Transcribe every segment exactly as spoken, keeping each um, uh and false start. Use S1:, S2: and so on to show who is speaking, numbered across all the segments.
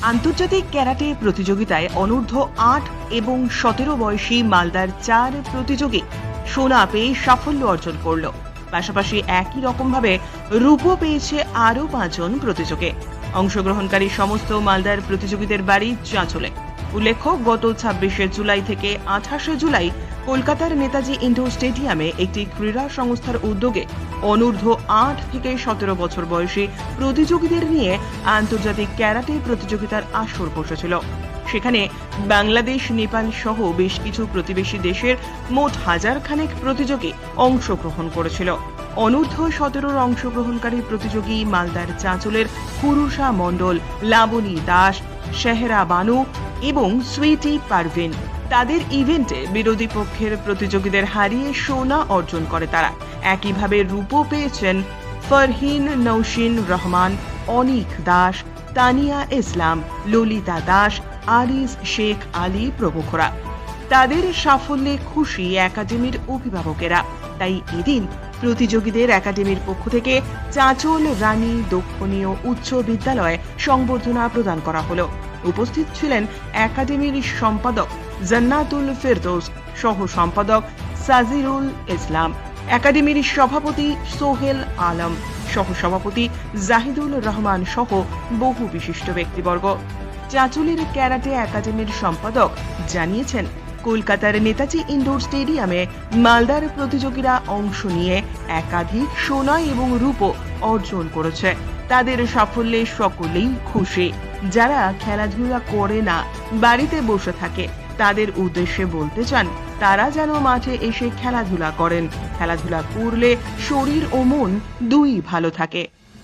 S1: আন্তর্জাতিক ক্যারাটে প্রতিযোগিতায় অনূর্ধ্ব আট এবং সতেরো বয়সী মালদার চার প্রতিযোগী সোনা পেয়ে সাফল্য অর্জন করল। পাশাপাশি একই রকমভাবে রূপো পেয়েছে আরও পাঁচজন প্রতিযোগী। অংশগ্রহণকারী সমস্ত মালদার প্রতিযোগীদের বাড়ি চাঁচলে। উল্লেখ্য, গত ছাব্বিশে জুলাই থেকে আঠাশে জুলাই কলকাতার নেতাজি ইন্ডোর স্টেডিয়ামে একটি ক্রীড়া সংস্থার উদ্যোগে অনূর্ধ্ব আট থেকে সতেরো বছর বয়সী প্রতিযোগীদের নিয়ে আন্তর্জাতিক ক্যারাটে প্রতিযোগিতার আসর বসেছিল। সেখানে বাংলাদেশ, নেপাল সহ বেশ কিছু প্রতিবেশী দেশের মোট হাজার খানেক প্রতিযোগী অংশগ্রহণ করেছিল। অনূর্ধ্ব সতেরোর অংশগ্রহণকারী প্রতিযোগী মালদার চাঁচলের পুরুষা মণ্ডল, লাবণী দাস, শেহরা বানু এবং সুইটি পারভিন। তাদের ইভেন্টে বিরোধী পক্ষের প্রতিযোগীদের হারিয়ে সোনা অর্জন করে তারা। একইভাবে রূপো পেয়েছেন ফরহিন নৌশিন রহমান, অনিক দাস, তানিয়া ইসলাম, ললিতা দাস, আরিস শেখ আলী প্রমুখরা। তাদের সাফল্যে খুশি একাডেমির অভিভাবকেরা। তাই এদিন প্রতিযোগীদের একাডেমির পক্ষ থেকে চাঁচল রানী দক্ষিণীয় উচ্চ বিদ্যালয়ে সংবর্ধনা প্রদান করা হলো। উপস্থিত ছিলেন একাডেমির সম্পাদক জান্নাতুল ফেরদৌস, সহ সম্পাদক সাজিরুল ইসলাম, একাডেমির সভাপতি সোহেল আলম, সহ সভাপতি জাহিদুল রহমান সহ বহু বিশিষ্ট ব্যক্তিবর্গ। চাঁচলের ক্যারাটে একাডেমির সম্পাদক জানিয়েছেন, কলকাতার নেতাজি ইন্ডোর স্টেডিয়ামে মালদার প্রতিযোগীরা অংশ নিয়ে একাধিক সোনা এবং রূপো অর্জন করেছে। তাদের সাফল্যে সকলেই খুশি। যারা খেলাধুলা করে না, বাড়িতে বসে থাকে, তাদের উদ্দেশ্যে বলতে চান, তারা যেন মাঠে এসে খেলাধুলা করেন। খেলাধুলা করলে শরীর ও মন দুই ভালো থাকে।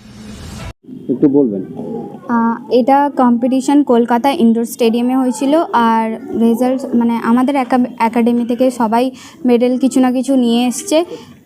S2: একটু বলবেন।
S3: এটা কম্পিটিশন কলকাতা ইনডোর স্টেডিয়ামে হয়েছিল। আর রেজাল্ট মানে আমাদের একাডেমি থেকে সবাই মেডেল কিছু না কিছু নিয়ে এসছে।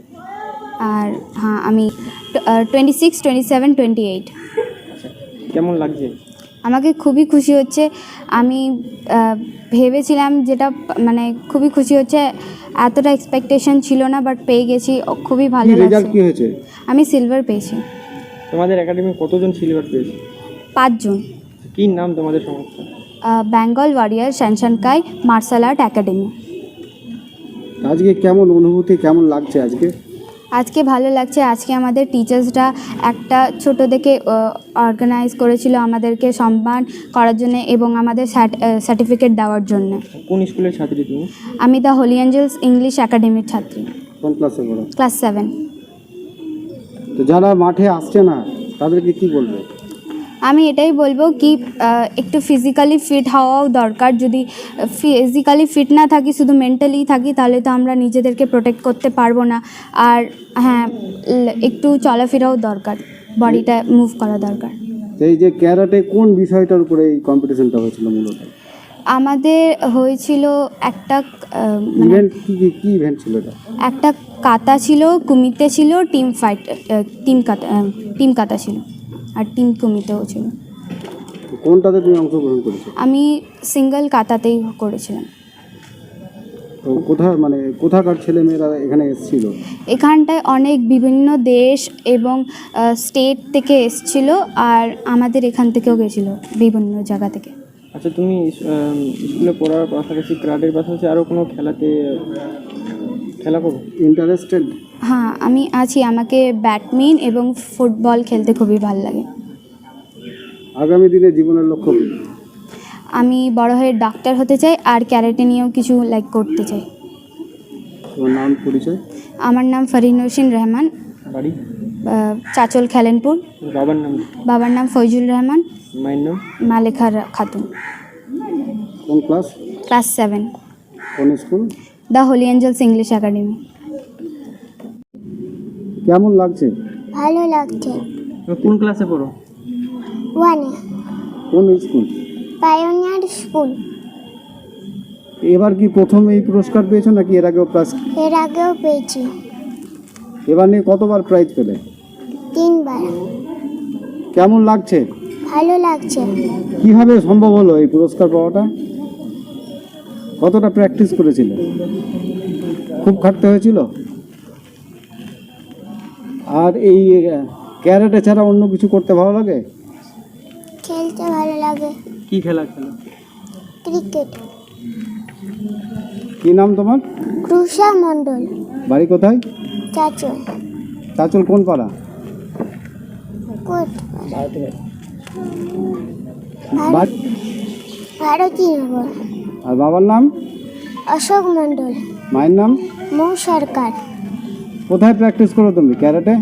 S3: আর হ্যাঁ, আমি twenty six twenty seven twenty eight
S2: কেমন লাগছে?
S3: আমাকে খুবই খুশি হচ্ছে। আমি ভেবেছিলাম, যেটা মানে খুবই খুশি হচ্ছে, এতটা এক্সপেকটেশন ছিল না, বাট পেয়ে গেছি, খুবই ভালো লাগছে। আমি সিলভার পেয়েছি।
S2: তোমাদের একাডেমি কতজন সিলভার পেয়েছে?
S3: পাঁচজন।
S2: কি নাম তোমাদের সংস্থা?
S3: বেঙ্গল ওয়ারিয়ার শ্যানশানকাই মার্শাল আর্ট একাডেমি।
S2: আজকে কেমন অনুভূতি, কেমন লাগছে আজকে?
S3: আজকে ভালো লাগছে। আজকে আমাদের টিচার্সরা একটা ছোট থেকে অর্গানাইজ করেছিল আমাদেরকে সম্মান করার জন্য এবং আমাদের সার্টিফিকেট দেওয়ার জন্য।
S2: কোন স্কুলের ছাত্রী তুমি?
S3: আমি দ্য হোলি অ্যাঞ্জেলস ইংলিশ একাডেমির ছাত্রী।
S2: কোন ক্লাসে পড়ো?
S3: Class seven.
S2: তো যারা মাঠে আসছে না, তাদেরকে কি বলবে?
S3: আমি এটাই বলবো কি একটু ফিজিক্যালি ফিট হওয়াও দরকার। যদি ফিজিক্যালি ফিট না থাকি, শুধু মেন্টালি থাকি, তাহলে তো আমরা নিজেদেরকে প্রোটেক্ট করতে পারবো না। আর হ্যাঁ, একটু চলাফেরাও দরকার, বডিটা মুভ করা দরকার।
S2: এই যে ক্যারাটে কোন বিষয়টার উপরে এই কম্পিটিশনটা হয়েছিল মূলত?
S3: আমাদের হয়েছিল একটা
S2: ইভেন্ট। কি কি ইভেন্ট ছিল এটা?
S3: একটা কাতা ছিল, কুমিতে ছিল, টিম ফাইট, টিম কাতা টিম কাতা ছিল, আর টিম কুমিতেও ছিল।
S2: কোনটাতে তুমি অংশগ্রহণ করেছো?
S3: আমি সিঙ্গেল কাতাতেই করেছিলাম।
S2: তো কোথায় মানে কোথাকার ছেলে মেয়েরা এখানে এসেছিল?
S3: এখানটায় অনেক বিভিন্ন দেশ এবং স্টেট থেকে এসেছিল, আর আমাদের এখান থেকেও গেছিল বিভিন্ন জায়গা থেকে।
S2: আচ্ছা, তুমি স্কুলে পড়ার পাশাপাশি ক্রাডের পাশাপাশি আরও কোনো খেলাতে খেলা করো ইন্টারেস্টেড?
S3: হ্যাঁ, আমি আছি। আমাকে ব্যাডমিন্টন এবং ফুটবল খেলতে খুবই ভালো লাগে।
S2: আগামী দিনে জীবনের লক্ষ্য?
S3: আমি বড় হয়ে ডাক্তার হতে চাই, আর ক্যারাটে নিয়েও কিছু লাইক করতে চাই।
S2: তোমার নাম, পরিচয়?
S3: আমার নাম ফরহিন নৌশিন রহমান,
S2: বাড়ি?
S3: চাঁচল খেলেনপুর।
S2: বাবার নাম?
S3: বাবার নাম ফৈজুল রহমান,
S2: মায়ের নাম?
S3: মালেখা খাতুন।
S2: কোন ক্লাস?
S3: Class seven.
S2: কোন school?
S3: The holy angels English academy.
S2: কেমন লাগছে?
S4: ভালো লাগছে।
S2: কোন ক্লাসে পড়ো?
S4: ওয়ানে।
S2: কোন স্কুল?
S4: Pioneer school.
S2: এবার কি প্রথম এই পুরস্কার পেয়েছো নাকি এর আগেও প্রাইজ?
S4: এর আগেও পেয়েছি।
S2: এবার নিয়ে কতবার প্রাইজ পেলে?
S4: তিনবার।
S2: কেমন লাগছে?
S4: ভালো লাগছে।
S2: কিভাবে সম্ভব হলো এই পুরস্কার পাওয়াটা? কতটা প্র্যাকটিস করেছিলে? খুব খাটতে হয়েছিল? আর এই ক্যারাটে ছাড়া অন্য কিছু করতে ভালো লাগে?
S4: খেলতে ভালো লাগে।
S2: কি খেলা খেলো?
S4: ক্রিকেট।
S2: কি নাম তোমার?
S4: ক্রুষা মণ্ডল।
S2: বাড়ি কোথায়?
S4: চাচল।
S2: চাচল কোন পাড়া?
S4: কোট
S2: বাড়ি-
S4: ভারতী নগর।
S2: আর বাবার নাম?
S4: অশোক মণ্ডল।
S2: মায়ের নাম?
S4: মৌ সরকার।
S2: কোথায় প্র্যাকটিস করো তুমি ক্যারাটে?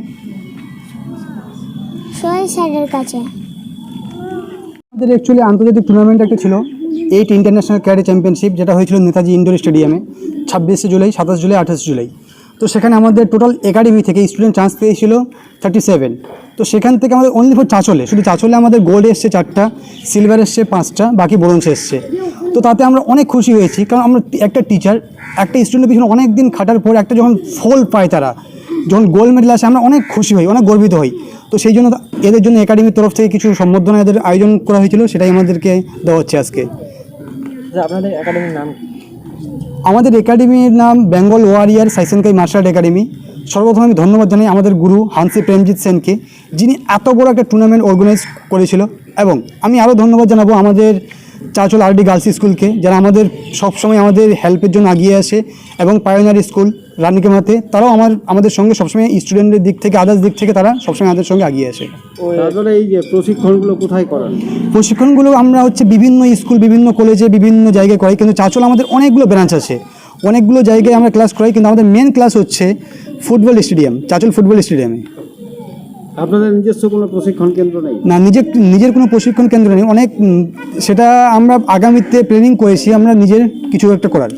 S4: সোহেল স্যারের কাছে।
S5: আমাদের অ্যাকচুয়ালি আন্তর্জাতিক টুর্নামেন্ট একটা ছিল, এইট ইন্টারন্যাশনাল ক্যারাটে চ্যাম্পিয়নশিপ, যেটা হয়েছিল নেতাজি ইনডোর স্টেডিয়ামে ছাব্বিশে জুলাই, সাতাশ জুলাই, আঠাশ জুলাই। তো সেখানে আমাদের টোটাল একাডেমি থেকে স্টুডেন্ট চান্স পেয়েছিল থার্টি সেভেন। তো সেখান থেকে আমাদের অনলি ফর চাচলে, শুধু চাচলে আমাদের গোল্ড এসছে চারটা, সিলভার এসছে পাঁচটা, বাকি ব্রোঞ্জ এসছে। তো তাতে আমরা অনেক খুশি হয়েছি, কারণ আমরা একটা টিচার একটা স্টুডেন্টের পিছনে অনেক দিন খাটার পর একটা যখন ফল পায়, তারা যখন গোল্ড মেডেল আসে, আমরা অনেক খুশি হই, অনেক গর্বিত হই। তো সেই জন্য এদের জন্য একাডেমির তরফ থেকে কিছু সম্বর্ধনা এদের আয়োজন করা হয়েছিল, সেটাই আমাদেরকে দেওয়া হচ্ছে আজকে।
S6: আপনাদের একাডেমির নাম?
S5: আমাদের একাডেমির নাম বেঙ্গল ওয়ারিয়ার সাইসেনকাই মার্শাল আর্ট একাডেমি। সর্বপ্রথম আমি ধন্যবাদ জানাই আমাদের গুরু হানসি প্রেমজিৎ সেনকে, যিনি এত বড় একটা টুর্নামেন্ট অর্গানাইজ করেছিল। এবং আমি আরও ধন্যবাদ জানাবো আমাদের চাচল আরডি গার্লস স্কুলকে, যারা আমাদের সবসময় আমাদের হেল্পের জন্য এগিয়ে আসে, এবং পায়োনিয়ার স্কুল রানীকেমাতে, তারাও আমার আমাদের সঙ্গে সবসময় স্টুডেন্টের দিক থেকে, আদার্স দিক থেকে তারা সবসময় আমাদের সঙ্গে এগিয়ে আসে।
S2: তারপরে এই যে প্রশিক্ষণগুলো কোথায় করান?
S5: প্রশিক্ষণগুলো আমরা হচ্ছে বিভিন্ন স্কুল, বিভিন্ন কলেজে, বিভিন্ন জায়গায় করাই, কিন্তু চাচল আমাদের অনেকগুলো ব্রাঞ্চ আছে, অনেকগুলো জায়গায় আমরা ক্লাস করাই, কিন্তু আমাদের মেন ক্লাস হচ্ছে ফুটবল স্টেডিয়াম, চাচল ফুটবল স্টেডিয়ামে।
S2: আপনাদের নিজস্ব কোনো প্রশিক্ষণ কেন্দ্র নেই?
S5: না, নিজের নিজের কোনো প্রশিক্ষণ কেন্দ্র নেই। অনেক উম, সেটা আমরা আগামীতে প্ল্যানিং করেছি, আমরা নিজের কিছু একটা করার।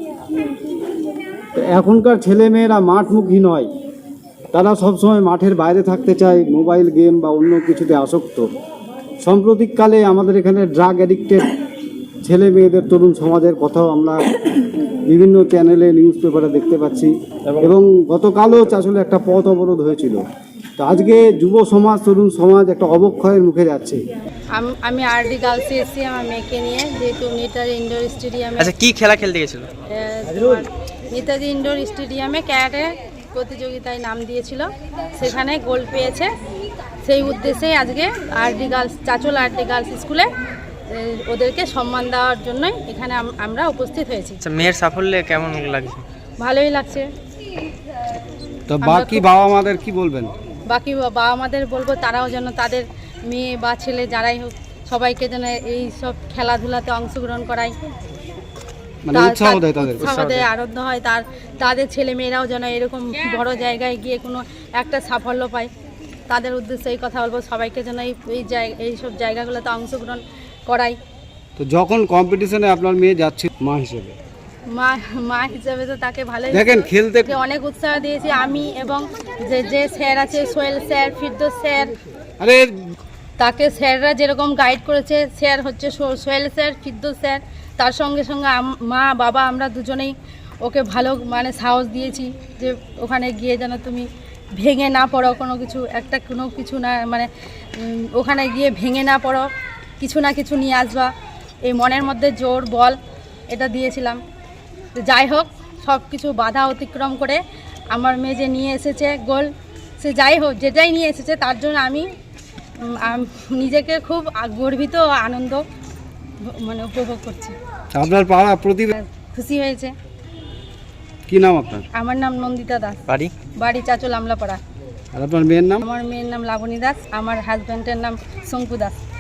S2: তো এখনকার ছেলেমেয়েরা মাঠমুখী নয়, তারা সবসময় মাঠের বাইরে থাকতে চায়, মোবাইল গেম বা অন্য কিছুতে আসক্ত। সাম্প্রতিককালে আমাদের এখানে ড্রাগ অ্যাডিক্টেড ছেলে মেয়েদের, তরুণ সমাজের কথাও আমরা বিভিন্ন চ্যানেলে, নিউজ পেপারে দেখতে পাচ্ছি, এবং গতকালও আসলে একটা পথ অবরোধ হয়েছিল। তো আজকে যুব সমাজ, তরুণ সমাজ একটা অবক্ষয়ের মুখে যাচ্ছে।
S7: আম- আমি আরডি গার্লসে এসেছি আমার মেয়েকে নিয়ে, যেহেতু নেতাজি ইনডোর স্টেডিয়ামে
S6: আচ্ছা, কি খেলা খেলতে গেছিল?
S7: আহ, তোমার নেতাজি ইনডোর স্টেডিয়ামে ক্যারাটে প্রতিযোগিতায় নাম দিয়েছিল, সেখানে গোল্ড পেয়েছে। সেই উদ্দেশ্যেই আজকে RD girls, Chanchal RD girls স্কুলে আহ, ওদেরকে সম্মান দেওয়ার জন্যই এখানে আম- আমরা উপস্থিত হয়েছি।
S6: আচ্ছা, মেয়ের সাফল্যে কেমন লাগছে?
S7: ভালোই লাগছে।
S2: তো
S7: আমরা
S2: বাকি
S7: খুব-
S2: বাবা মাদের কি বলবেন?
S7: বাকি বাবা মাদের বলবো, তারাও যেন তাদের মেয়ে বা ছেলে যারাই হোক, সবাইকে যেন এই সব খেলাধুলাতে অংশগ্রহণ করায়,
S2: মানে
S7: তা-
S2: উৎসাহ
S7: তা-
S2: দেয় তাদের।
S7: উৎসাহ দেয়, আনন্দ হয়, তার তাদের ছেলে মেয়েরাও যেন এরকম বড় জায়গায় গিয়ে কোনো একটা সাফল্য পায়। তাদের উদ্দেশ্যে এই কথা বলবো, সবাইকে যেন এই এই জায়গা, এইসব জায়গাগুলোতে অংশগ্রহণ করাই।
S2: তো যখন কম্পিটিশনে আপনার মেয়ে যাচ্ছে মা হিসেবে,
S7: মা মা হিসাবে তো তাকে ভালোই
S2: দেখেন খেলতে
S7: তাকে অনেক উৎসাহ দিয়েছি আমি, এবং যে যে স্যার আছে, সোহেল স্যার, ফিরদৌস স্যার,
S2: আরে
S7: তাকে স্যাররা যেরকম গাইড করেছে, স্যার হচ্ছে সো- সোহেল স্যার, ফিরদৌস স্যার, তার সঙ্গে সঙ্গে আম- মা বাবা আমরা দুজনেই ওকে ভালো মানে সাহস দিয়েছি, যে ওখানে গিয়ে যেন তুমি ভেঙে না পড়ো, কোনো কিছু একটা কোনো কিছু না, মানে উম, ওখানে গিয়ে ভেঙে না পড়ো, কিছু না কিছু নিয়ে আসবা, এই মনের মধ্যে জোর বল এটা দিয়েছিলাম। তো যাই হোক, সব কিছু বাধা অতিক্রম করে আমার মেয়ে যে নিয়ে এসেছে গোল, সে যাই হোক যেটাই নিয়ে এসেছে তার জন্য আমি উম, আম- নিজেকে খুব আ- গর্বিত ও আনন্দ ভ- মানে উপভোগ করছি,
S2: আপনার পাড়া প্রতিভা
S7: খুশি হয়েছে।
S2: কি নাম আপনার?
S7: আমার নাম নন্দিতা দাস,
S6: বাড়ি?
S7: বাড়ি চাচল আমলাপাড়া।
S2: আর আপনার মেয়ের নাম?
S7: আমার মেয়ের নাম লাবণী দাস, আমার হাজব্যান্ডের নাম শঙ্কু দাস।